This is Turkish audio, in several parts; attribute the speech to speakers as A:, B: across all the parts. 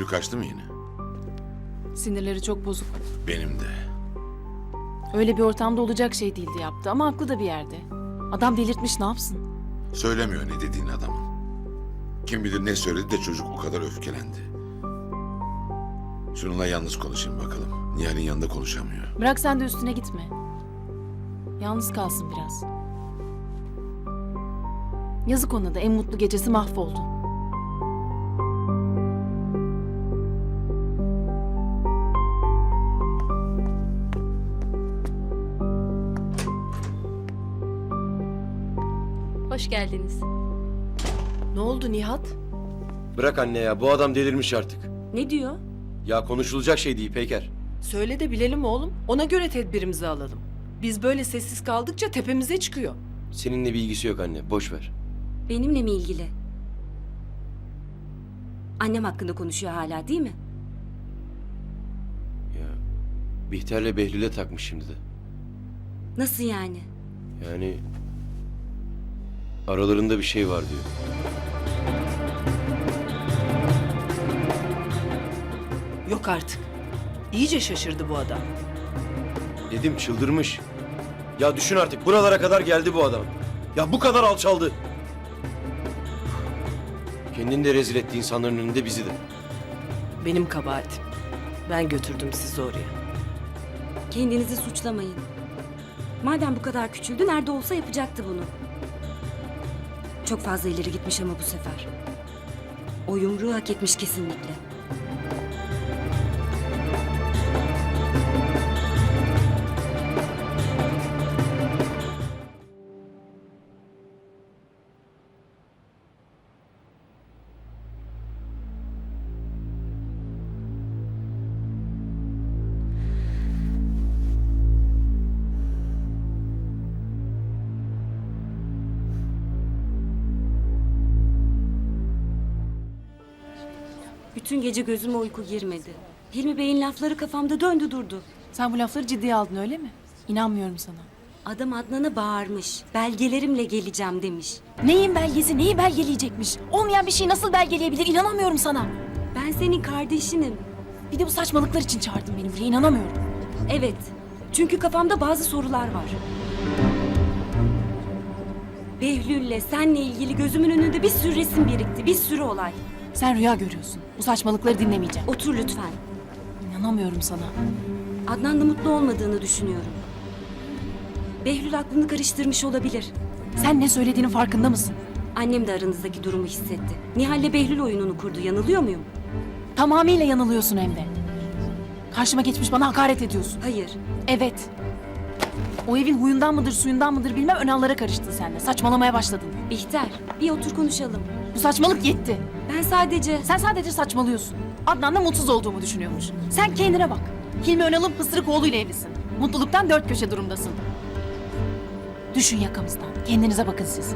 A: kaçtı mı yine?
B: Sinirleri çok bozuk.
A: Benim de.
B: Öyle bir ortamda olacak şey değildi yaptı ama haklı da bir yerde. Adam delirtmiş, ne yapsın?
A: Söylemiyor ne dediğini adamın. Kim bilir ne söyledi de çocuk o kadar öfkelendi. Şununla yalnız konuşayım bakalım. Nihal'in yanında konuşamıyor.
B: Bırak sen de üstüne gitme. Yalnız kalsın biraz. Yazık ona da, en mutlu gecesi mahvoldu.
C: Hoş geldiniz.
D: Ne oldu Nihat?
E: Bırak anne ya, bu adam delirmiş artık.
C: Ne diyor?
E: Ya konuşulacak şey değil Peyker.
D: Söyle de bilelim oğlum. Ona göre tedbirimizi alalım. Biz böyle sessiz kaldıkça tepemize çıkıyor.
E: Seninle bir ilgisi yok anne, boş ver.
C: Benimle mi ilgili? Annem hakkında konuşuyor hala, değil mi?
E: Ya Bihter'le Behlül'e takmış şimdi de.
C: Nasıl yani?
E: Yani aralarında bir şey var diyor.
D: Yok artık. İyice şaşırdı bu adam.
E: Dedim çıldırmış. Ya düşün artık, buralara kadar geldi bu adam. Ya bu kadar alçaldı. Kendini de rezil etti insanların önünde, bizi de.
D: Benim kabahatim. Ben götürdüm sizi oraya.
C: Kendinizi suçlamayın. Madem bu kadar küçüldü, nerede olsa yapacaktı bunu. Çok fazla ileri gitmiş ama bu sefer. O yumruğu hak etmiş kesinlikle. Bütün gece gözüme uyku girmedi. Hilmi Bey'in lafları kafamda döndü durdu.
B: Sen bu lafları ciddiye aldın öyle mi? İnanmıyorum sana.
C: Adam Adnan'a bağırmış. Belgelerimle geleceğim demiş.
B: Neyin belgesi, neyi belgeleyecekmiş? Olmayan bir şeyi nasıl belgeleyebilir? İnanamıyorum sana.
C: Ben senin kardeşinim.
B: Bir de bu saçmalıklar için çağırdın beni buraya, inanamıyorum.
C: Evet. Çünkü kafamda bazı sorular var. Behlül'le senle ilgili gözümün önünde bir sürü resim birikti. Bir sürü olay.
B: Sen rüya görüyorsun. Bu saçmalıkları dinlemeyeceğim.
C: Otur lütfen.
B: İnanamıyorum sana.
C: Adnan'la mutlu olmadığını düşünüyorum. Behlül aklını karıştırmış olabilir.
B: Sen ne söylediğinin farkında mısın?
C: Annem de aranızdaki durumu hissetti. Nihal'le Behlül oyununu kurdu. Yanılıyor muyum?
B: Tamamıyla yanılıyorsun hem de. Karşıma geçmiş bana hakaret ediyorsun.
C: Hayır.
B: Evet. O evin huyundan mıdır suyundan mıdır bilmem önallara karıştın sen de. Saçmalamaya başladın.
C: Bihter, bir otur konuşalım.
B: Bu saçmalık yetti.
C: Ben sadece...
B: Sen sadece saçmalıyorsun. Adnan'la mutsuz olduğumu düşünüyormuş. Sen kendine bak. Hilmi Önal'ın pısırık oğluyla evlisin. Mutluluktan dört köşe durumdasın. Düşün yakamızdan. Kendinize bakın siz.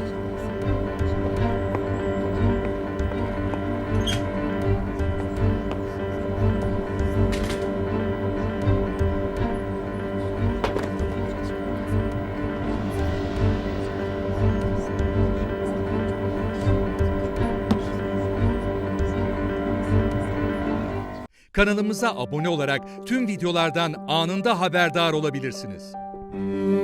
F: Kanalımıza abone olarak tüm videolardan anında haberdar olabilirsiniz.